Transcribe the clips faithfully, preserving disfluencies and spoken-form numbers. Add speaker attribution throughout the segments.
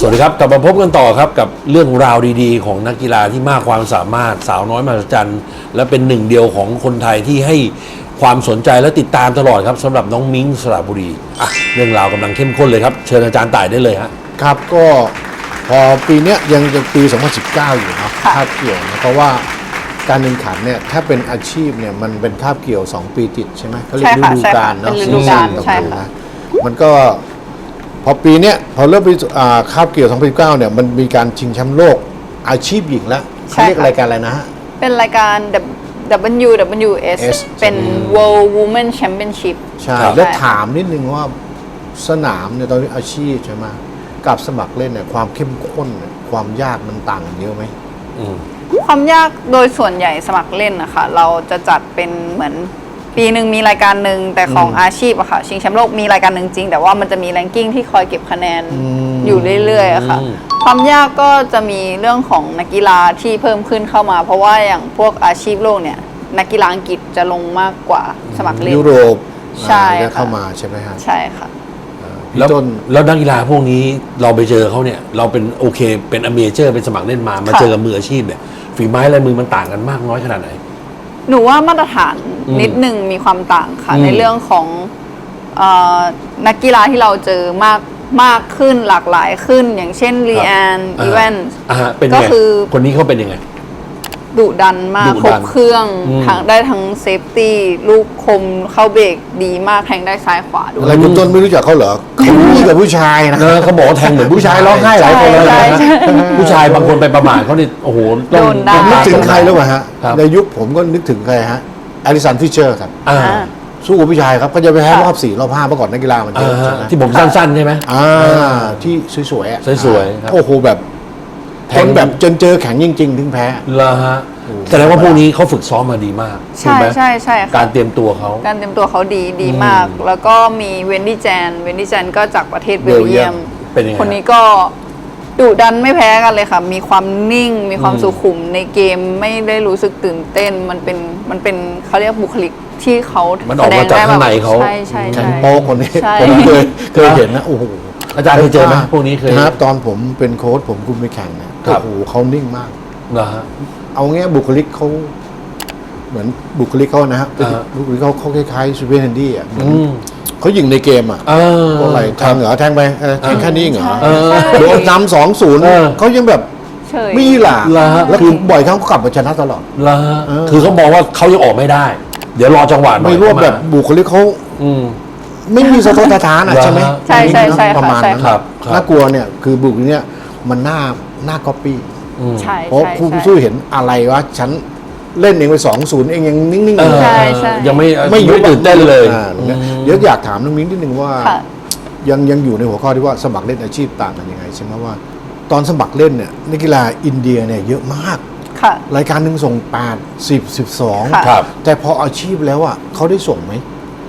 Speaker 1: สวัสดีครับกลับมาพบกันต่อครับกับเรื่องราวดีๆของนักกีฬาที่มากความสามารถสาวน้อยมหัศจรรย์และเป็นหนึ่งเดียวของคนไทยที่ให้ความสนใจและติดตามตลอดครับสำหรับน้องมิ้งสระบุรีอ่ะเรื่องราวกำลังเข้มข้นเลยครับเชิญอาจารย์ต่ายได้เลยฮะ
Speaker 2: ครับก็พอปีนี้ยังยังปีสองพันสิบเก้าอยู่เนาะคาบเกี่ยวนะเพราะว่าการแข่งขันเนี่ยถ้าเป็นอาชีพเนี่ยมันเป็นคาบเกี่ยวสองปีติดใช่ไหมเขาเรียกฤดูกาลเนาะ
Speaker 3: ฤดูกาลใช่ค่ะ
Speaker 2: มันก็พอปีเนี้ยพอเริ่มปีคาบเกี่ยวสองพันสิบเก้าเนี่ยมันมีการชิงแชมป์โลกอาชีพหญิงแล้วเขาเรียกรายการอะไรนะฮะ
Speaker 3: เป็นรายการ ดับเบิลยู ดับเบิลยู เอส เป็น World Women Championship
Speaker 2: ใช่แล้วถามนิดนึงว่าสนามเนี่ยตอนนี้อาชีพใช่ไหมกับสมัครเล่นเนี่ยความเข้มข้นความยากมันต่างกันเยอะไหม
Speaker 3: ความยากโดยส่วนใหญ่สมัครเล่นนะคะเราจะจัดเป็นเหมือนปีหนึ่งมีรายการหนึ่งแต่ของอาชีพอะค่ะชิงแชมป์โลกมีรายการหนึ่งจริงแต่ว่ามันจะมีแรงกิ้งที่คอยเก็บคะแนนอยู่เรื่อยๆอะค่ะความยากก็จะมีเรื่องของนักกีฬาที่เพิ่มขึ้นเข้ามาเพราะว่าอย่างพวกอาชีพโลกเนี่ยนักกีฬาอังกฤษจะลงมากกว่าสมัครเล่น
Speaker 2: ยุโรป
Speaker 3: ใช่
Speaker 2: เข้ามาใช่ไหมฮะ
Speaker 3: ใช่ค่ะ
Speaker 1: แล้วแล้วนักกีฬาพวกนี้เราไปเจอเขาเนี่ยเราเป็นโอเคเป็นอเมเจอร์เป็นสมัครเล่นมามาเจอกับมืออาชีพเนี่ยฝีไม้ลายมือมันต่างกันมากน้อยขนาดไหน
Speaker 3: หนูว่ามาตรฐานนิดหนึ่งมีความต่างค่ะในเรื่องของนักกีฬาที่เราเจอมากมากขึ้นหลากหลายขึ้นอย่างเช่นลีแอนอีเวนส์
Speaker 1: ก็คือคนนี้เขาเป็นยังไง
Speaker 3: ดุดันมากครบเครื่องทั้งได้ทั้งเซฟตี้ลูกคมเข้าเบรกดีมากแทงได้ซ้ายขวาด้วย
Speaker 2: อะไรคุณต้นไม่รู้จักเขาเหรอเขาพูดกับผู้ชายนะ
Speaker 1: เขาบอกแทงเหมือนผู้ชายร้องไห้หลายคนเลยนะผู้ชายบางคนไปประมาทเขาเนี่ยโอ้โห
Speaker 3: ต้อง
Speaker 2: นึกถึงใครแล้วฮะในยุคผมก็นึกถึงใครฮะอลิสันฟิชเชอร์ครับสู้กับผู้ชายครับก็จะไปแพ้รอบสี่รอบห้าเมื่อก่อนนักกีฬามันเยอะ
Speaker 1: ที่ผมสั้นๆใช่ไหม
Speaker 2: อ่าที่สวยๆอ่ะ
Speaker 1: สวยๆ
Speaker 2: โอ้โหแบบแทงแบบจนเจอแข็งจริงๆถึงแพ้
Speaker 1: ละฮะแสดงว่าพวกนี้เขาฝึกซ้อมมาดีมาก
Speaker 3: ใช่ใช่ใช่
Speaker 1: การเตรียมตัวเขา
Speaker 3: การเตรียมตัวเขาดีดีมากแล้วก็มีเวนดี้แจนเวนดี้แจนก็จากประเทศเบลเยียมคนนี้ก็ดุดันไม่แพ้กันเลยค่ะมีความนิ่งมีความสุขุมในเกมไม่ได้รู้สึกตื่นเต้นมันเป็นมันเป็นเขาเรียกบุคลิกที่เขา
Speaker 1: แสดงได้แบบ
Speaker 3: ใช่ใช่
Speaker 2: แข็งโป๊กคนนี้ผมเคยเคยเห็นนะโอ้โห
Speaker 1: อาจารย์เคยเจอไหมพวกนี้เคย
Speaker 2: ครับตอนผมเป็นโค้ชผมคุมไปแข่งเนี่ยโอ้โหเขานิ่งมาก
Speaker 1: นะฮะ
Speaker 2: เอางี้บุคลิกเขาเหมือนบุคลิกเขานะฮะบุคลิกเขาเขาคล้ายๆซูเปอร์แฮนดี้อ่ะเขายิงในเกมอ่ะอะไรแทงเหรอแทงไปแทงแค่นี้เหรอโดนนำสองศูนย์เขายังแบบไม่หล่ะแล้วคือบ่อยครั้งเขากลับมาชนะตลอด
Speaker 1: ละคือเขาบอกว่าเขายังออกไม่ได้เดี๋ยวรอจังหวะ
Speaker 2: ไม่รู้แบบบุคลิกเขาไม่มีสะทกสะท้านอ่ะใช่ไหม
Speaker 3: ใช่ใช่ใช่
Speaker 2: ประมาณนั้นน่ากลัวเนี่ยคือบุคลิกเนี่ยมันหน้าหน้าก๊อปปี้เพราะผู้สู้เห็นอะไรวะฉันเล่นเองไปสองศูนย์เองยังนิ่งๆ
Speaker 3: อยู่
Speaker 1: ยังไม่ไม่ยุบตื่นเต้นเลย
Speaker 2: เดี๋ยวอยากถามน้องมิ้งนิดนึงว่ายังยังอยู่ในหัวข้อที่ว่าสมัครเล่นอาชีพต่างกันยังไงใช่ไหมว่าตอนสมัครเล่นเนี่ยนักกีฬาอินเดียเนี่ยเยอะมากรายการหนึ่งส่งแปด สิบ สิบสองแต่พออาชีพแล้วอ่ะเขาได้ส่งไหม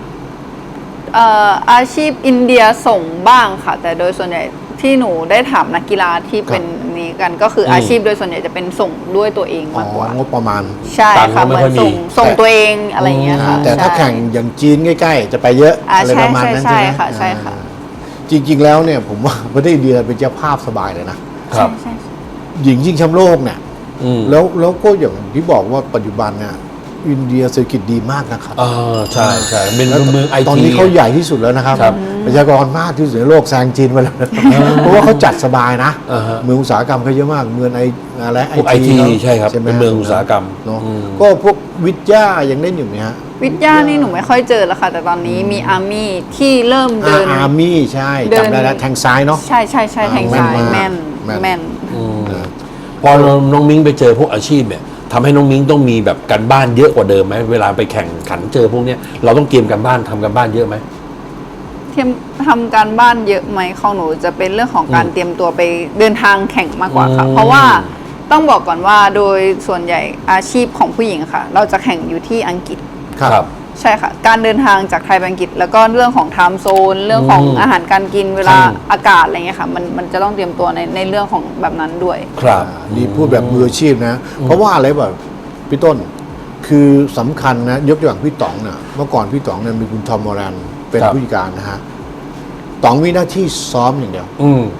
Speaker 3: อาชีพอินเดียส่งบ้างค่ะแต่โดยส่วนใหญ่ที่หนูได้ถามนักกีฬาที่เป็นนี้กันก็คืออาชีพโดยส่วนใหญ่จะเป็นส่งด้วยตัวเองมากกว่าง
Speaker 2: บประมาณ
Speaker 3: ใช่ค่ะเหมือนส่งส่งตัวเองอะไรอย่างเงี้ยค่ะ
Speaker 2: แต่ถ้าแข่งอย่างจีนใกล้ๆจะไปเยอะอะไรประมาณนั้นใช่ไหม
Speaker 3: ใช่ค่ะใช่ค่ะ
Speaker 2: จริงๆแล้วเนี่ยผมว่าประเทศอินเดียเป็นเจ้าภาพสบายเลยนะครับหญิงชิงแชมป์โลกเนี่ยแล้วแล้วก็อย่างที่บอกว่าปัจจุบันเนี่ยอินเดียเศรษฐกิจดีมากนะครับ
Speaker 1: อ่าใช่ใช่เป็นเมืองไอที
Speaker 2: ตอนนี้เขาใหญ่ที่สุดแล้วนะครับประชากรมากที่สุดในโลกแซงจีนไปแล้วเพราะว่าเขาจัดสบายนะเมืองอุตสาหกรรมเขาเยอะมากเมืองไออะไร
Speaker 1: ไอทีใช่ครับเป็นเมืองอุตสาหกรรม
Speaker 2: เนาะก็พวกวิทยายังเล่นอยู่ไหมฮะ
Speaker 3: วิทยานี่หนูไม่ค่อยเจอแล้วค่ะแต่ตอนนี้มีอาร์มี่ที่เริ่มเดิน
Speaker 2: อาร์มี่ใช่จำได้แล้วแทงซ้ายเนาะ
Speaker 3: ใช่ใช่ใช่แทงซ้ายแม่นแม่น
Speaker 1: พอน้องมิ้งไปเจอพวกอาชีพเนี่ยทำให้น้องมิ้งต้องมีแบบการบ้านเยอะกว่าเดิมไหมเวลาไปแข่งขันเจอพวกนี้เราต้องเตรียมการบ้านทำการบ้านเยอะไหม
Speaker 3: เตรียมทำการบ้านเยอะไหมของหนูจะเป็นเรื่องของการเตรียมตัวไปเดินทางแข่งมากกว่าค่ะเพราะว่าต้องบอกก่อนว่าโดยส่วนใหญ่อาชีพของผู้หญิงค่ะเราจะแข่งอยู่ที่อังกฤษ
Speaker 1: ครับ
Speaker 3: ใช่ค่ะการเดินทางจากไทยไปอังกฤษแล้วก็เรื่องของไทม์โซนเรื่องของอาหารการกินเวลาอากาศอะไรเงี้ยค่ะมันมันจะต้องเตรียมตัวในในเรื่องของแบบนั้นด้วย
Speaker 2: ครับนี่พูดแบบมืออาชีพนะเพราะว่าอะไรแบบพี่ต้นคือสำคัญนะยกตัวอย่างพี่ต๋องนะเมื่อก่อนพี่ต๋องเนี่ยมีคุณทอมมอรันเป็นผู้จัดการนะฮะต๋องมีหน้าที่ซ้อมอย่างเดียว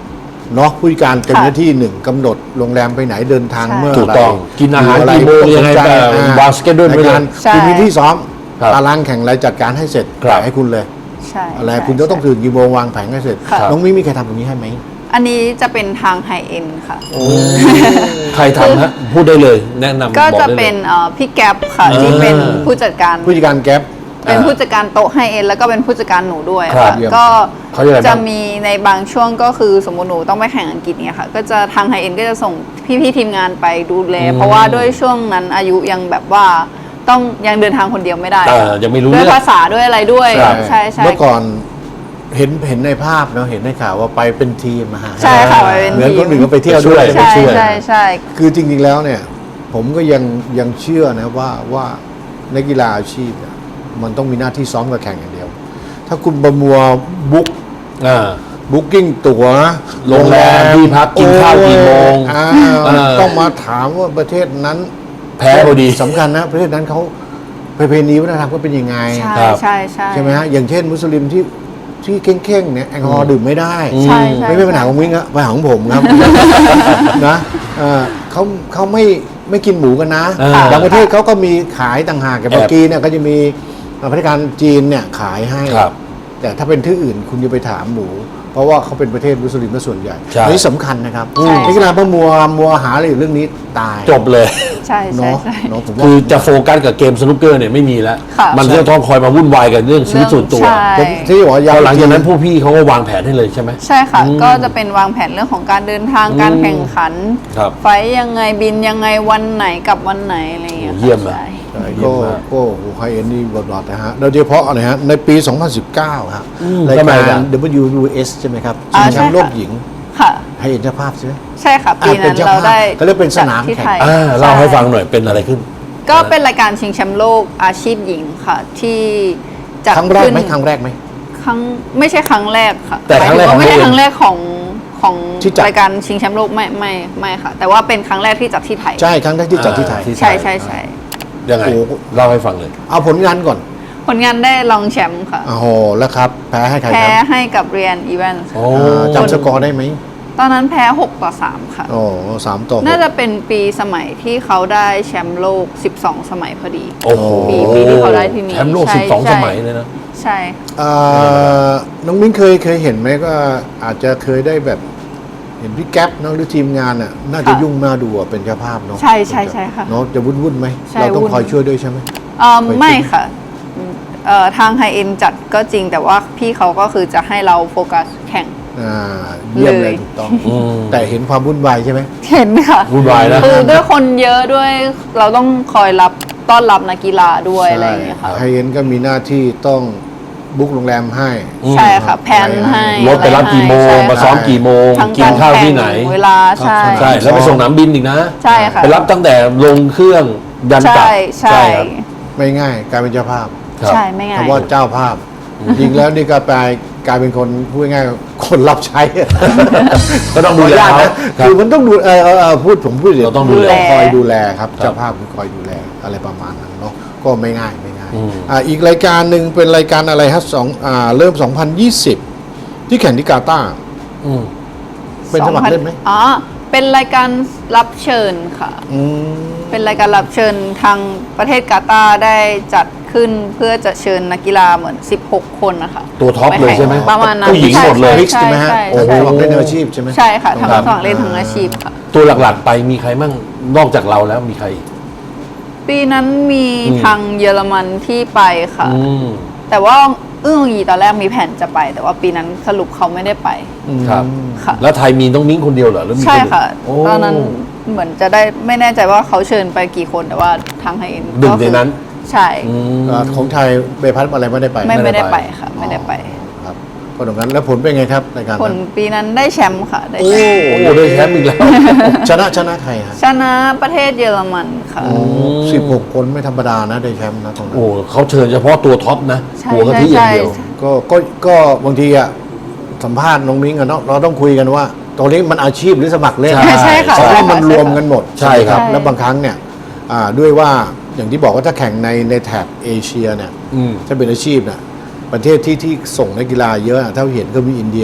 Speaker 2: เนาะผู้จัดการจะมีหน้าที่หนึ่งกำหนดโรงแรมไปไหนเดินทาง
Speaker 3: ใช่
Speaker 2: เมื่อ
Speaker 1: ถูก
Speaker 2: ไหร่
Speaker 1: ต้องกินอาหาร
Speaker 2: ยู่ะ
Speaker 1: กี่โมงยังไง
Speaker 2: สนใจ
Speaker 1: แบบ
Speaker 2: อ่
Speaker 1: วางสเกจดูลไว้เลย
Speaker 2: ในการ
Speaker 3: ใช่
Speaker 2: คุณมีที่ซ้อม
Speaker 1: ครับ
Speaker 2: ตารางแข่งอะไรจัดการให้เสร็จ
Speaker 1: ครับ
Speaker 2: ให้คุณเลย
Speaker 3: ใช่
Speaker 2: อะไร
Speaker 3: ใช่
Speaker 2: คุณจะต้อง
Speaker 3: ใช่
Speaker 2: ตื่นกี่โมงวางแผนให้เสร็จ
Speaker 3: ค่ะ
Speaker 2: น้องมิ้งมีใครทำตรงนี้ให้ไหม
Speaker 3: อันนี้จะเป็นทางไฮเอ็นค่ะ
Speaker 1: ใครทำฮะพูดได้เลย แนะนำ
Speaker 3: ก็
Speaker 1: บอก
Speaker 3: จะ
Speaker 1: ได้ลย
Speaker 3: เป็นเอ่อพี่แก๊ปค่ะ
Speaker 1: อ่า
Speaker 3: ที่เป็นผู้จัดการ
Speaker 2: ผู้จัดการแก๊ป
Speaker 3: เป็นผู้จัดการโต๊ะไฮเอ็นแล้วก็เป็นผู้จัดการหนูด้วย
Speaker 1: ครับ
Speaker 3: ค่ะ
Speaker 2: เยี่ยม
Speaker 3: ก็
Speaker 1: เขาเรียกอะไรบ้าง
Speaker 3: จะมีในบางช่วงก็คือสมมติหนูต้องไปแข่งอังกฤษเนี่ยค่ะ ก็จะทางไฮเอ็นก็จะส่งพี่ๆทีมงานไปดูแล เพราะว่าด้วยช่วงนั้นอายุยังแบบว่าต้องยังเดินทางคนเดียวไม่ได้
Speaker 1: เออยังไม่รู้
Speaker 3: ด้วย
Speaker 1: เรื่อง
Speaker 3: ภาษาด้วยอะไรด้วย
Speaker 1: ครับ
Speaker 3: ใช่ใช่
Speaker 2: เมื่อก่อนเห็นเห็นในภาพเนาะเห็นในข่าวว่าไปเป็นทีมมาหา
Speaker 3: ใช่ค่ะไปเป็น
Speaker 2: เหมือน
Speaker 3: ที
Speaker 2: คน
Speaker 3: ม
Speaker 2: อื่นก็ไปเที่ยวด้วย
Speaker 1: ไปช่วย
Speaker 3: ใช่
Speaker 2: ช่วย
Speaker 3: ใช่ใช่
Speaker 2: คือจริงๆแล้วเนี่ย ผมก็ยังยังเชื่อนะว่าว่านักกีฬาอาชีพเนี่ยมันต้องมีหน้าที่ซ้อมกับแข่งอย่างเดียว ถ้าคุณประมัวบุ๊ก
Speaker 1: อ่า
Speaker 2: บุ๊กิ้งตั๋ว
Speaker 1: โรงแรมที่พักกินข้าวกี่โมง
Speaker 2: โอ้ยอ่า
Speaker 1: เออ
Speaker 2: ต้องมาถามว่าประเทศนั้น
Speaker 1: แพ้พอดี
Speaker 2: สำคัญนะ ประเทศนั้นเขาประเพณีวัฒนธรรมก็เป็นยังไง
Speaker 3: ใช่
Speaker 1: ครับ
Speaker 3: ใช่ใช่
Speaker 2: ใช่ไหมฮะอย่างเช่นมุสลิมที่ที่เข่งๆเนี่ยแอลกอฮอล์ดื่มไม่ได้
Speaker 3: ใช่ใช่
Speaker 2: ไม่ไม่เป็นปัญหาของมิ้งอะปัญหาของผมครับ นะเอ่อเขาเขาไม่ไม่กินหมูกันนะ
Speaker 1: อ่า
Speaker 2: บางประเทศเขาก็มีขายต่างหากอย่าง
Speaker 1: แอบ
Speaker 2: ปากีเนี่ยก็จะมีพัฒนาการจีนเนี่ยขายให้
Speaker 1: ครับ
Speaker 2: แต่ถ้าเป็นที่อื่นคุณจะไปถามหมู เพราะว่าเขาเป็นประเทศมุสลิมซะส่วนใหญ่
Speaker 1: ใช่
Speaker 2: อันนี้สำคัญนะครับ
Speaker 3: ใช่
Speaker 2: นักกีฬาพมัวมัวหาอะไรอยู่เรื่องนี้ตาย
Speaker 1: จบเลย
Speaker 3: ใช่ใช่
Speaker 2: เนาะ
Speaker 3: ใช่
Speaker 2: เนาะผมว่า
Speaker 1: คือจะโฟกัสกับเกมสนุกเกอร์เนี่ยไม่มีแล้ว
Speaker 3: ค่ะ
Speaker 1: มันจะต้องคอยมาวุ่นวายกับเรื่องชีวิตส่วนตัว
Speaker 3: ใช่
Speaker 2: ผมที่บอกว่า
Speaker 1: พ
Speaker 2: ยาว
Speaker 1: อหลังจากนั้นผู้พี่เขาก็วางแผนให้เลยใช่ไหม
Speaker 3: ใช่ค่ะ ก็จะเป็นวางแผนเรื่องของการเดินทางการแข่งขัน
Speaker 1: ครับ
Speaker 3: ไฟล์ยังไงบินยังไงวันไหนกับวันไหนอะไรอย่างเงี้ย
Speaker 1: โอ้เยี่ยมอะ
Speaker 3: ใช่
Speaker 2: ใช่
Speaker 1: เยี่ย
Speaker 2: ก็
Speaker 1: มมาก
Speaker 2: ก็โอ้ไฮเอ็นนี่บทบาทนะฮะโดยเฉพาะนะฮะในปี สองพันสิบเก้าฮะ
Speaker 1: อืม
Speaker 2: ราย
Speaker 1: ทำไม
Speaker 2: การ
Speaker 1: ล่ะ
Speaker 2: ดับเบิลยู ยู เอส ใช่ไหมครับชิ
Speaker 3: อ่าง
Speaker 2: แช
Speaker 3: ใช่
Speaker 2: มป์โลก
Speaker 3: ค่ะ
Speaker 2: หญิง
Speaker 3: ค่ะ
Speaker 2: ไฮเอ็นเจ้าภาพใช่ไหม
Speaker 3: ใช่ค่ะ ปี
Speaker 2: อ่าเป็
Speaker 3: นั้น น
Speaker 2: เจ้า
Speaker 3: เรา
Speaker 2: ภาพ
Speaker 3: ได้
Speaker 2: เขาเรียกเป็นสนาม
Speaker 3: จัดที่
Speaker 2: แข่ง
Speaker 3: ไทย
Speaker 1: อ่าเล่าให้ฟังหน่อยเป็นอะไรขึ้น
Speaker 3: ก็เป็นรายการชิงแชมป์โลกอาชีพหญิงค่ะ ที่จัด
Speaker 2: ครั้งแรก
Speaker 3: ขึ้น
Speaker 2: ไหมครั้งแรกไหม
Speaker 3: ครั้งไม่ใช่ครั้งแรกค่ะ
Speaker 1: แต่ครั้งแรก
Speaker 3: หมายถึว่าไม่ใช่
Speaker 1: ของ
Speaker 3: ครั้งแรกของของ
Speaker 2: ที่จัด
Speaker 3: รายการชิงแชมป์โลกไม่ไม่ไม่ค่ะ แต่ว่าเป็นครั้งแรกที่จัดที่ไทย
Speaker 2: ใช่ครั้งแรกที่จัดที่ไทย
Speaker 1: อ่าที่
Speaker 3: ใช่ใช่ใช่
Speaker 1: ยังไง
Speaker 2: โอ้โห
Speaker 1: เล่าให้ฟังเลย
Speaker 2: เอาผลงานก่อน
Speaker 3: ผลงานได้รองแชมป์ค่ะ
Speaker 2: โอ้โหแล้วครับ แพ้ให้ใคร
Speaker 3: แพ้
Speaker 2: ครับ
Speaker 3: ให้กับเรียนอีเวนต์
Speaker 1: โอ้
Speaker 2: อ่าจำสกอร์ได้ไหม
Speaker 3: ตอนนั้นแพ้หกต่อสามค่ะ
Speaker 2: โอ้สามต่อหก
Speaker 3: น่าจะเป็นปีสมัยที่เขาได้แชมป์โลก สิบสอง สมัยพอดี
Speaker 1: โอ้โห
Speaker 3: ปีปีที่เขาได้ที่นี่
Speaker 1: แชมป์โลก
Speaker 3: ใช่
Speaker 1: สิบสอง
Speaker 3: ใช่
Speaker 1: สมัยเลยนะ
Speaker 3: ใช่
Speaker 2: เอ่อน้องมิ้นเคยเคยเห็นไหมก็อาจจะเคยได้แบบเห็นพี่แก๊ปเนอะหรือทีมงานอ่ะน่าจะยุ่งน่าดูอะเป็นเจ้าภาพเนาะ
Speaker 3: ใช่ใช่ใช่ค่ะ
Speaker 2: เนาะจะวุ่นวุ่นๆไหม
Speaker 3: ใช่
Speaker 2: เราต้อง
Speaker 3: วุ่น
Speaker 2: คอยช่วยด้วยใช่ไหม
Speaker 3: เอ่อ
Speaker 2: เคย
Speaker 3: ไม่ค่ะเอ่อทางไฮเอ็นจัดก็จริงแต่ว่าพี่เขาก็คือจะให้เราโฟกัสแข่ง
Speaker 2: อ่าเยี่ยมเล
Speaker 3: เลย ย
Speaker 2: ถูกต้อง
Speaker 1: อืม
Speaker 2: แต่เห็นความวุ่นวายใช่ไหม
Speaker 3: เห็นค่ะ
Speaker 1: วุ่นวายนะ
Speaker 3: คือด้วยคนเยอะด้วยเราต้องคอยรับต้อนรับนักกีฬาด้วยอะไรอย่างเงี้ยค่ะ
Speaker 2: ไฮเอ็นก็มีหน้าที่ต้องบุ๊กโรงแรมให้
Speaker 3: ใช่ค่ะแพลนให้
Speaker 1: รถไปรับกี่โมง
Speaker 3: ใช่ค่ะ
Speaker 1: มาซ้อมกี่โมง
Speaker 3: ทั้ง
Speaker 1: กินข้าวที่ไหน
Speaker 3: กรแข่งเวลาใช่
Speaker 1: ใช่ แล้วไปส่งสนามบินอีกนะ
Speaker 3: ใช่ค่ะ
Speaker 1: ไปรับตั้งแต่ลงเครื่องยันกลั
Speaker 3: ใช่
Speaker 1: บ
Speaker 3: ใช่
Speaker 1: ครับ
Speaker 2: ไม่ง่ายกลายเป็นเจ้าภาพ
Speaker 1: ครับ
Speaker 3: ใช่ไม่ง่าย
Speaker 2: คำว่าเจ้าภาพ จริงแล้วนี่ก็กลายกลายเป็นคนพูดง่ายๆคนรับใช้
Speaker 1: ก็ต้องดูแล
Speaker 2: ขออนุญาต
Speaker 1: เขา
Speaker 2: นะคือมันต้องดูเออเออเออพูดผมพูด
Speaker 1: เราต้องดูแล
Speaker 2: คอยดูแลครับ
Speaker 1: ครับ
Speaker 2: เจ้าภาพคือคอยดูแลอะไรประมาณนั้นเนาะก็ไม่ง่ายไม่ง่าย
Speaker 1: อืม
Speaker 2: อ่าอีกรายการหนึ่งเป็นรายการอะไรฮะสองอ่าเริ่ม สองพันยี่สิบ ที่แข่งที่กาตาร์
Speaker 1: อืม
Speaker 2: เป็นสมัครเล่นไหม
Speaker 3: อ๋อ เป็นรายการรับเชิญค่ะ
Speaker 2: อืม
Speaker 3: เป็นรายการรับเชิญทางประเทศกาตาร์ได้จัดขึ้นเพื่อจะเชิญนักกีฬาเหมือน สิบหก คนนะคะ
Speaker 1: ตัวท็อปเลยใช่ไหม
Speaker 3: ประมาณนั้น
Speaker 1: ผู้หญิงหมดเลย
Speaker 2: มิกซ์ใช่ไหมฮะ
Speaker 3: ใช่
Speaker 2: โอ้
Speaker 3: ใช่
Speaker 2: โห
Speaker 3: ใช่
Speaker 2: สมัครเล่นอาชีพใช่ไหม
Speaker 3: ใช่ค่ะทั้ง
Speaker 1: ครับ
Speaker 3: สมัครเล่นทั้งอาชีพค่ะ
Speaker 1: ตัวหลักๆไปมีใครมั่งนอกจากเราแล้วมีใครอีก
Speaker 3: ปีนั้นมี
Speaker 1: อืม
Speaker 3: ทางเยอรมันที่ไปค่ะ
Speaker 1: อืม
Speaker 3: แต่ว่าอึ้งอีตอนแรกมีแผนจะไป แต่ว่าปีนั้นสรุปเขาไม่ได้ไป
Speaker 1: ครับ
Speaker 3: ค่ะ
Speaker 1: แล้วไทยมีต้องมิ้งคนเดียวเหรอหรือมี
Speaker 3: ใช่
Speaker 1: นอื่น
Speaker 3: ค่ะ
Speaker 1: โอ้
Speaker 3: ตอนนั้นเหมือนจะได้ไม่แน่ใจว่าเขาเชิญไปกี่คนแต่ว่าทางไฮเอ็น
Speaker 1: หนึ่งในนั้น
Speaker 3: ใช่
Speaker 1: อืม
Speaker 2: อ่าของไทยใบพัดอะไรไม่ได้ไป
Speaker 3: ไม่
Speaker 1: ไม่
Speaker 3: ไม่
Speaker 1: ได้
Speaker 3: ได้
Speaker 1: ไป
Speaker 3: ไปค่ะ ไม่ได้ไป
Speaker 2: ครับก็ตรงนั้นแล้วผลเป็นไงครับรายการ
Speaker 3: ผล
Speaker 2: นั้น
Speaker 3: ปีนั้นได้แชมป์ค่ะ ได้
Speaker 2: โอ้
Speaker 3: แชมป์
Speaker 1: โอ้ได้แชมป์อีกแล้ว
Speaker 2: ชนะชนะใครฮะ
Speaker 3: ชนะประเทศเยอรมันค่ะ
Speaker 2: สิบหกคนไม่ธรรมดานะได้แชมป์นะตรงนั้น
Speaker 1: โอ้เขาเชิญเฉพาะตัวท็อปนะ
Speaker 3: ใช่
Speaker 1: หัวกะทิอย่างเดียว
Speaker 3: ใช่
Speaker 2: ก็ก็ก็บางทีอะสัมภาษณ์น้องมิ้งอะเนาะเราต้องคุยกันว่าตรงนี้มันอาชีพหรือสมัครเล่น
Speaker 1: ใช่
Speaker 3: ใช่ค่ะ
Speaker 2: เพราะว่ามัน
Speaker 3: ใช่ค่ะ
Speaker 2: รวมกันหมด
Speaker 1: ใช่ครับ
Speaker 2: ไหมแล้วบางครั้งเนี่ยอ่าด้วยว่าอย่างที่บอกว่าถ้าแข่งในในแถบเอเชียเนี่ย
Speaker 1: อืม
Speaker 2: ถ้าเป็นอาชีพเนี่ยประเทศที่ที่ส่งนักกีฬาเยอะอะถ้าเห็นก็มีอินเดีย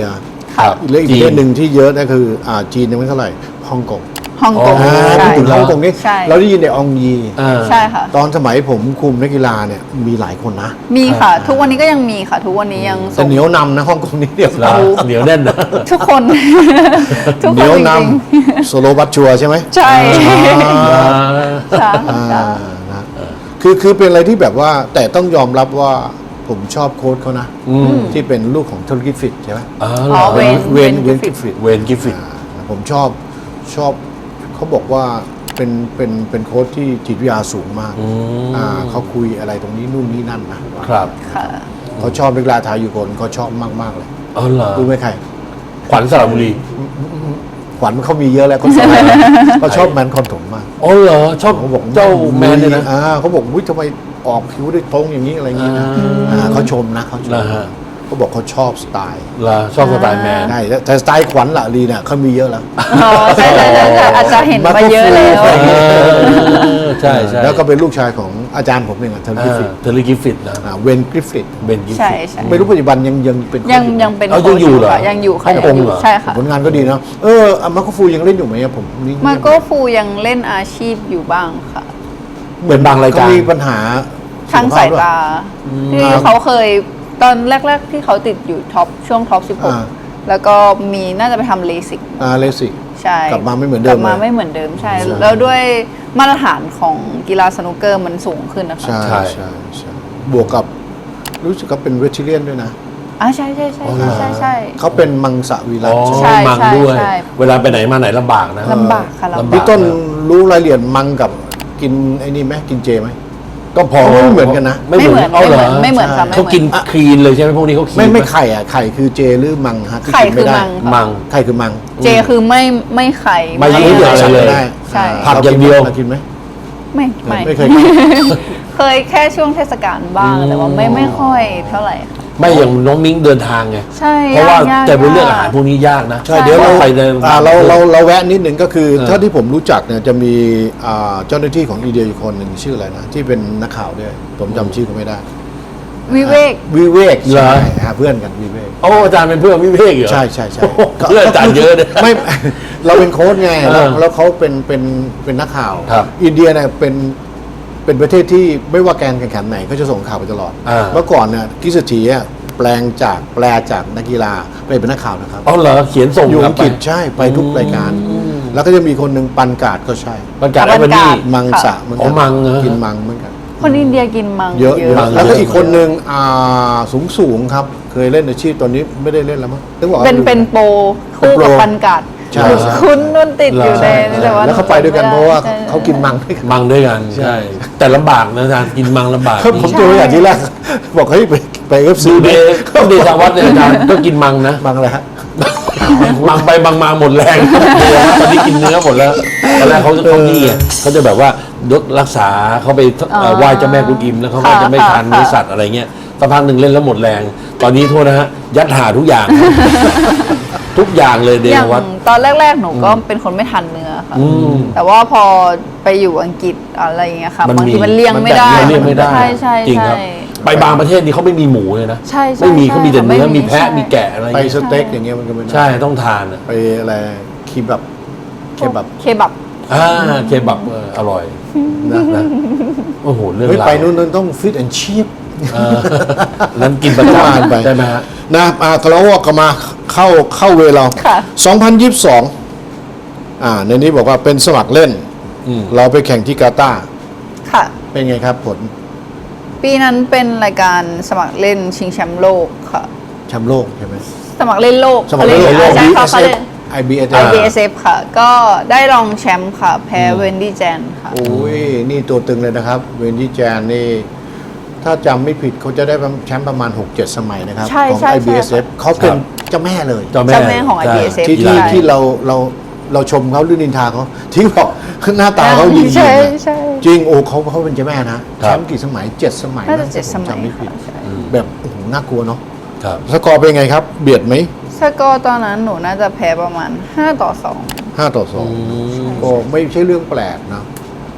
Speaker 3: ค่ะ
Speaker 1: ครับ
Speaker 2: และอีกประเทศหนึ่งที่เยอะก็คืออ่าจีนยังไม่เท่าไหร่ฮ่องกง
Speaker 3: ฮ่องกง
Speaker 1: อ๋อ
Speaker 2: อ่า
Speaker 3: ใช่
Speaker 2: พูดถึงฮ่องกงนี่
Speaker 3: ใช่
Speaker 2: เราได้ยินแต่อองยี
Speaker 1: อ่า
Speaker 3: ใช่ค่ะ
Speaker 2: ตอนสมัยผมคุมนักกีฬาเนี่ยมีหลายคนนะ
Speaker 3: มีค่ะ ทุกวันนี้ก็ยังมีค่ะ ทุกวันนี้ยัง
Speaker 2: แต่
Speaker 3: ส่ง
Speaker 2: เหนียวนำนะฮ่องกงนี่เดียว
Speaker 1: แล้วเหนียวแน่นนะ
Speaker 3: ทุกคน ทุก
Speaker 2: เห
Speaker 3: ค
Speaker 2: นี
Speaker 3: น
Speaker 2: ยว
Speaker 3: จ
Speaker 2: น
Speaker 3: ริง
Speaker 2: ำโซโลบัตชัวร์ใช่ไหม
Speaker 3: ๆใช่
Speaker 2: อ่า
Speaker 3: ใช่
Speaker 2: อ่า
Speaker 3: ใช่
Speaker 2: นะคือคือเป็นอะไรที่แบบว่าแต่ต้องยอมรับว่าผมชอบโค้ชเขานะ
Speaker 1: อืม
Speaker 2: ที่เป็นลูกของธุรกิจฟิตใช่ไหม
Speaker 1: อ๋อ
Speaker 3: อ๋อ
Speaker 1: เหรอ
Speaker 3: เวน
Speaker 2: เวน
Speaker 3: เว
Speaker 2: เวน น
Speaker 3: กิ
Speaker 2: กิ
Speaker 3: ฟ
Speaker 2: ฟ
Speaker 3: ฟิ
Speaker 2: ฟิ
Speaker 3: ต
Speaker 2: ต
Speaker 1: เวนกิฟฟิต
Speaker 2: ผมชอบชอบเขาบอกว่าเป็นเป็นเป็นโค้ชที่จิตวิทยาสูงมาก
Speaker 1: อืม
Speaker 2: อ่าเขาคุยอะไรตรงนี้นู่นนี่นั่นนะครับ
Speaker 3: ค่ะ
Speaker 2: เขาชอบนักกีฬาไทยอยู่คนเขาชอบมากๆเลย
Speaker 1: อ๋อเหรอ
Speaker 2: รู้ไหมใคร
Speaker 1: ขวัญสระบุรี
Speaker 2: ขวัญเขามีเยอะแล้วเขาชอบเขาชอบแมนคอนถมมาก
Speaker 1: อ๋อเหรอชอบ
Speaker 2: เขาบอก
Speaker 1: เจ้าแมนเนี่ยนะ
Speaker 2: อ่าเขาบอกวิทำไมออกผิวได้ตรงอย่างนี้อะไรอย่างนี้นะ
Speaker 1: อ่า
Speaker 2: อ่าเขาชมนะเขาชม
Speaker 1: นะฮะ
Speaker 2: เขาบอกเขาชอบสไตล์
Speaker 1: เหรอชอบสไตล์แมน
Speaker 2: ใช่แต่สไตล์ขวัญละลีเนี่ยเขามีเยอะแล้ว
Speaker 3: อ๋อใช่ใช่ใช่ใช่อาจจะเห็นมาเยอะแล้ว
Speaker 1: เออใช่ใช่
Speaker 2: แล้วก็เป็นลูกชายของอาจารย์ผมเองอะเทอร์
Speaker 1: อ่า
Speaker 2: กิฟฟิต
Speaker 1: เทเลกิฟฟิตนะ
Speaker 2: อ่าเวนกริฟฟิต
Speaker 1: เบนกิฟ
Speaker 3: ใช่
Speaker 1: ฟิต
Speaker 3: ใช่
Speaker 2: ไม่รู้ปัจจุบันยังยังเป็น
Speaker 3: ยัง
Speaker 2: โค้ช
Speaker 3: ยังเป็น
Speaker 1: เอายังอยู่เหรอ
Speaker 3: ค่ะยังอยู่ค่ะ
Speaker 1: ฮ่องกง
Speaker 3: ยังอยู่
Speaker 1: เหรอ
Speaker 3: ใช่ค่ะ
Speaker 2: ผลงานก็ดีเนาะเอออามาโกฟูยังเล่นอยู่ไหมอะผมนี่
Speaker 3: มาโก้ฟูยังเล่นอาชีพอยู่บ้างค่ะ
Speaker 1: เหมือนบางรายการ
Speaker 2: เขมีปัญหา
Speaker 3: ทางสายตา ที่
Speaker 2: อ่า
Speaker 3: เขาเคยตอนแรก ๆ ที่เขาติดอยู่ท็อปช่วงท็อปสิบหก
Speaker 2: อ่า
Speaker 3: แล้วก็มีน่าจะไปทำเลสิก
Speaker 2: อ่าเลสิก
Speaker 3: ใช่
Speaker 2: กลับมาไม่เหมือนเดิม
Speaker 3: กลับมา
Speaker 2: เลย
Speaker 3: ไม่เหมือนเดิมใช่
Speaker 2: ใช่
Speaker 3: แล้วด้วยมาตรฐานของกีฬาสนุกเกอร์มันสูงขึ้นนะคะ
Speaker 2: ใช่
Speaker 1: ใช่
Speaker 2: ใช่ใช่บวกกับรู้สึกก็เป็นเวทิเลียนด้วยนะ
Speaker 3: อ่าใช่ใช่ใช่
Speaker 1: อ๋อเหร
Speaker 3: ใช่
Speaker 1: อ
Speaker 3: ใช่ใช่
Speaker 2: เขาเป็นมังสวิรั
Speaker 1: อ๋
Speaker 2: ต
Speaker 1: อ
Speaker 2: ใช่ไหม
Speaker 3: ใช่
Speaker 1: มังด้วย
Speaker 3: ใช่
Speaker 1: เวลาไปไหนมาไหนลำบากนะ
Speaker 3: ลำบากค่ะลำบาก
Speaker 1: ลำบาก
Speaker 2: พี่ต้นรู้รายละเอียดมังกับกินไอ้นี่ไหมกินเจไหม
Speaker 1: ก็พอ
Speaker 2: ไม่เหมือนกันนะ
Speaker 1: ไม่เหมือน
Speaker 3: ไม่
Speaker 1: เอา
Speaker 3: เห
Speaker 1: เหร
Speaker 3: มื
Speaker 1: อ
Speaker 3: อนไม่เหมือนค่ะไม่เหมือน
Speaker 1: เขากินคลีนเลยใช่ไหมพวกนี้เขาคลีน
Speaker 2: ไม่ไม่
Speaker 1: ห
Speaker 2: ไข่อ่ะไข่คือเจหรือมังฮะที่
Speaker 3: ไข่
Speaker 2: กินไม่ได้
Speaker 3: คือมัง
Speaker 1: มัง
Speaker 2: ไข่คือมัง
Speaker 3: เจคือไม่ไม่ไข่
Speaker 1: ไม่ยุ่งเหยิงอะไรเลย
Speaker 2: ได้
Speaker 3: ใช่
Speaker 1: ผักอย่างเดียว
Speaker 2: รกินไหม
Speaker 3: ไม่ไม่
Speaker 2: ไม่เคยกิน
Speaker 3: เคยแค่ช่วงเทศกาลบ้างแต่ว่าไม่ไม่ค่อยเท่าไหร่ค่ะ
Speaker 1: ไม่อย่างน้องมิ้งเดินทางไง
Speaker 3: ใช่
Speaker 1: เพราะว่าย
Speaker 3: าก
Speaker 1: จะไปเลือก
Speaker 3: ยาก
Speaker 1: อาหารพวกนี้ยากนะ
Speaker 2: ใช่เดี๋ยวเรา
Speaker 1: ไปเดิน
Speaker 2: อ่าเราเราเราแวะนิดหนึ่งก็คือ
Speaker 1: เออ
Speaker 2: เท่าที่ผมรู้จักเนี่ยจะมีอ่าเจ้าหน้าที่ของอินเดียอยู่คนหนึ่งชื่ออะไรนะที่เป็นนักข่าวด้วยผมจำชื่อเขาไม่ได้
Speaker 3: วิเวก
Speaker 2: วิเวก
Speaker 1: เหรอ
Speaker 2: ใช่ฮะเพื่อนกันวิเวก
Speaker 1: โอ้อาจารย์เป็นเพื่อนวิเวกเหรอ
Speaker 2: ใช่ใช่ใช่
Speaker 1: โอ้โหเพื่อนอาจารย์เยอะเลย
Speaker 2: ไม่ เราเป็นโค้ชไงแล้ว
Speaker 1: เออ
Speaker 2: แล้วเขาเป็นเป็นเป็นนักข่าว
Speaker 1: ครับ
Speaker 2: อินเดียเนี่ยเป็นเป็นประเทศที่ไม่ว่าการแข่งขันไหนเขาจะส่งข่าวไปตลอด
Speaker 1: อ่า
Speaker 2: เมื่อก่อนเนี่ยกิสตีอ่ะแปลงจากแปลจากนักกีฬาไปเป็นนักข่าวนะครับ
Speaker 1: อ๋อเหรอเขียนส่ง
Speaker 2: อยู่
Speaker 1: กลั
Speaker 2: อั
Speaker 1: บ
Speaker 2: ง
Speaker 1: ไป
Speaker 2: กฤษใช่ไปทุกรายการ แล้วก็จะมีคนหนึ่งปันกาดก็ใช่
Speaker 1: บรรยากาศ
Speaker 3: บ
Speaker 1: แอ
Speaker 3: ร
Speaker 1: บ
Speaker 3: รยากาศ
Speaker 1: นี่
Speaker 2: มังสะเหมือน
Speaker 1: อ๋
Speaker 2: กั
Speaker 1: อมังเหรอ
Speaker 2: กินมังเหมือนกัน
Speaker 3: คนอินเดียกินมัง
Speaker 2: เยอะเยอะ
Speaker 1: มัง
Speaker 2: แล้วก็
Speaker 1: เยอะ
Speaker 2: อีกคนหนึ่งอ่าสูงสูงๆครับ เคยเล่นอาชีพตอนนี้ไม่ได้เล่นแล้วมั้งต้องบอกว่า
Speaker 3: เป็นเป็นโปรคู่กับปันกาด
Speaker 2: ใช่
Speaker 3: คุณนุ่นติดอยู่ใน
Speaker 1: ใช่
Speaker 3: แต่ว่า
Speaker 2: แล้วเขาไปด้วยกันเพราะว่า
Speaker 3: ใช่
Speaker 2: เขากินมังด้วยกัน
Speaker 1: มังด้วยกันใช่ แต่ลำบากนะอาจารย์กินมังลำบาก
Speaker 2: ครับผมเจอตัวอย่างที่แรก บอกเฮ้ยไปไปเอฟซี
Speaker 1: ดูเดย์ต้องเดชาวัดเนี่ยอาจารย์ก็กินมังนะ
Speaker 2: มังอะไรฮะ
Speaker 1: มังไปบางมาหมดแรงตอนนี้กินเนื้อหมดแล้วตอนแรกเขาจะเขานี่ไงเขาจะแบบว่ายกรักษาเขาไปเอ่อไหว้เจ้าแม่กุนอิมแล้วเขาก็จะไม่ทานเนื้อสัตว์อะไรเงี้ยสักพักหนึ่งเล่นแล้วหมดแรง ตอนนี้โทษนะฮะยัดหาทุกอย่าง ทุกอย่างเลยเด
Speaker 3: อย่าง
Speaker 1: ชาวัด
Speaker 3: ตอนแรก ๆ หนูก็เป็นคนไม่ทานเนื้อค่ะ
Speaker 1: อืม
Speaker 3: แต่ว่าพอไปอยู่อังกฤษอะไรอย่างเงี้ยค่ะ
Speaker 1: มัน
Speaker 3: บาง
Speaker 1: มี
Speaker 3: ทีมันเลี่ยงไม่ได้
Speaker 1: มันเลี่ยงไม่ได้
Speaker 3: ใช่ใช่
Speaker 1: จริงครับ
Speaker 3: ใช่
Speaker 1: ไปบางประเทศนี่เขาไม่มีหมูเลยนะ
Speaker 3: ใช่ใช่
Speaker 1: ไม่มี
Speaker 3: ใช่
Speaker 1: เขามีแต่เนื้อ
Speaker 3: ไม่มี
Speaker 1: มีแพะ
Speaker 3: ใช่
Speaker 1: มีแกะอะไร
Speaker 2: ไป
Speaker 1: เงี้ย
Speaker 2: สเต็กอย่างเงี้ยมันก็ไม่ได้
Speaker 1: ใช่ต้องทานอะ
Speaker 2: ไปอะไรคีบับเคบับ
Speaker 3: เคบับ
Speaker 1: อ่าเคบับเอออร่อย
Speaker 2: นะ
Speaker 1: นะโอ้โหเรื่อง
Speaker 2: เฮ้ย
Speaker 1: ราว
Speaker 2: ไปนู่นนั่นต้องฟิตแอนด์ชีพ
Speaker 1: เออนั้นกินประจ
Speaker 2: ว่ากันไป
Speaker 1: ำใช่ไหมฮะ
Speaker 2: นะอ่าเราก็มาเข้าเข้าเวลา
Speaker 3: ค่ะ
Speaker 2: สองพันยี่สิบสองอ่าในนี้บอกว่าเป็นสมัครเล่น
Speaker 1: อืม
Speaker 2: เราไปแข่งที่กาตาร์
Speaker 3: ค่ะ
Speaker 2: เป็นไงครับผล
Speaker 3: ปีนั้นเป็นรายการสมัครเล่นชิงแชมป์โลกค่ะ
Speaker 2: แชมป์โลกใช่ไหม
Speaker 3: สมัครเล่นโลก
Speaker 2: สมัครเล่นโลก
Speaker 3: ใช่ค่ะเขา
Speaker 2: บี
Speaker 3: เล่น
Speaker 2: ไอบีเอส
Speaker 3: ไอ บี เอส เอฟ ค่ะ ก็ได้รองแชมป์ค่ะ แพ้เวนดี้แจนค่ะ
Speaker 2: โอ้ยนี่ตัวตึงเลยนะครับ เวนดี้แจนนี่ ถ้าจำไม่ผิดเขาจะได้แชมป์ประมาณ หกเจ็ด สมัยนะครับ
Speaker 3: ใช่
Speaker 2: ของ
Speaker 3: ใช่
Speaker 2: ไอบีเอสเอฟ
Speaker 3: ใช่
Speaker 2: เขาเป็น
Speaker 1: ครับ
Speaker 2: เจ้าแม่เลย
Speaker 1: เจ้าแม่
Speaker 3: เจ้าแม่ของ
Speaker 1: ใช่
Speaker 3: ไอ บี เอส เอฟ
Speaker 2: ที่
Speaker 1: กี
Speaker 2: ที่
Speaker 1: ฬา
Speaker 2: ที่เราเราเราชมเขาหรือนินทาเขาที่บอกหน้าตาเขาดี
Speaker 3: ใช่
Speaker 2: ๆนะ
Speaker 3: ใช่
Speaker 2: จริงโอ้เขาเขาเป็นเจ้าแม่นะแชมป์กี่สมัยเจ็ดสมัย
Speaker 3: น่าจะ
Speaker 2: ถ้
Speaker 3: เจ็ดส
Speaker 2: ผ
Speaker 3: มัย
Speaker 2: จำไม่ผิด
Speaker 3: ค่ะใช่
Speaker 2: แบบโอ้โหน่ากลัวเนาะ
Speaker 1: ครับ
Speaker 2: สกอร์เป็นไงครับ เบียดไหม
Speaker 3: สกอร์ตอนนั้นหนูน่าจะแพ้ประมาณห้าต่อสอง
Speaker 2: ห้าต่อสองก็ไม่ใช่เรื่องแปลกนะ ท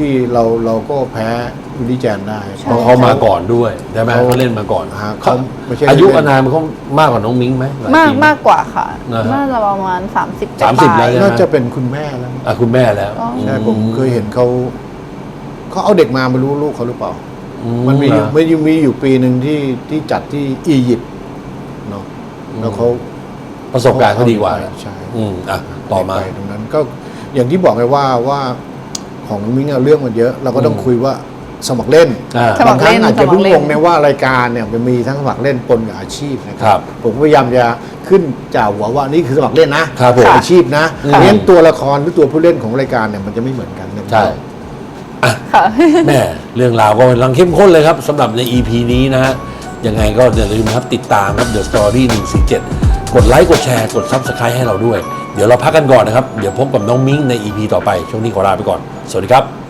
Speaker 2: ที่เราเราก็แพ้วิลลี่แจนได้
Speaker 1: เพราะเขามาก่อนด้วยใช่ไหม
Speaker 2: เขา
Speaker 1: เขาเล่นมาก่อน
Speaker 2: ฮะเขาไม่ใช่
Speaker 1: อายุ
Speaker 2: เล่น
Speaker 1: อานามเขามากกว่าน้องมิ้งไหมหลย
Speaker 3: มาก
Speaker 1: ปีไห
Speaker 3: มากกว่าค่ะ
Speaker 1: นะฮะ
Speaker 3: น่าจะประมาณ สามสิบ
Speaker 1: สามสิบ
Speaker 3: ปลายๆ
Speaker 1: แล้ว
Speaker 2: น่าจะเป็นคุณแม่แล้ว
Speaker 1: อ่ะคุณแม่แล้ว
Speaker 3: อ๋อ
Speaker 2: ใช่ผมเคยเห็นเขาเขาเอาเด็กมาไม่รู้ลูกเขาหรือเปล่า
Speaker 1: อื
Speaker 2: มันมีอยู่
Speaker 1: เหรอ
Speaker 2: ไม่มีอยู่ปีหนึ่งที่ที่จัดที่อียิปต์เนาะแล้วเขา
Speaker 1: ประสบการณ์เขาดีกว่า
Speaker 2: ใช่
Speaker 1: อืมอ่ะต่อมา
Speaker 2: ไปตรงนั้นก็อย่างที่บอกไงว่าว่าของมิ้งอะเรื่องมันเยอะ เราก็ต้อง
Speaker 1: อืม
Speaker 2: คุยว่าสมัครเล่น
Speaker 1: อ่า
Speaker 3: สมั
Speaker 2: บาง
Speaker 3: คร
Speaker 2: ครั้ง
Speaker 3: เล่น
Speaker 2: อาจจะเพิ่ง
Speaker 3: สมัครเล่
Speaker 2: ง
Speaker 3: น
Speaker 2: งในว่ารายการเนี่ยมันมีทั้งสมัครเล่นปนกับอาชีพนะค
Speaker 1: ครั
Speaker 2: รับ ผมพยายามจะขึ้นจากหัวว่านี่คือสมัครเล่นนะครับ
Speaker 1: ผม
Speaker 2: อาชีพนะ
Speaker 1: อืม
Speaker 2: เพราะฉะนั้นตัวละครหรือตัวผู้เล่นของรายการเนี่ยมันจะไม่เหมือนกันนะ
Speaker 1: ใช่
Speaker 3: ค่ะ
Speaker 1: แม่เรื่องราวก็กำลังเข้มข้นเลยครับสำหรับใน อี พี นี้นะฮะ ยังไงก็อย่าลืมครับติดตามครับ The Story หนึ่งสี่เจ็ดกดไลค์กดแชร์กด Subscribe ให้เราด้วย เดี๋ยวเราพักกันก่อนนะครับ เดี๋ยวพบกับน้องมิ้งใน อี พี ต่อไป ช่วงนี้ขอลาไปก่อน สวัสดีครับ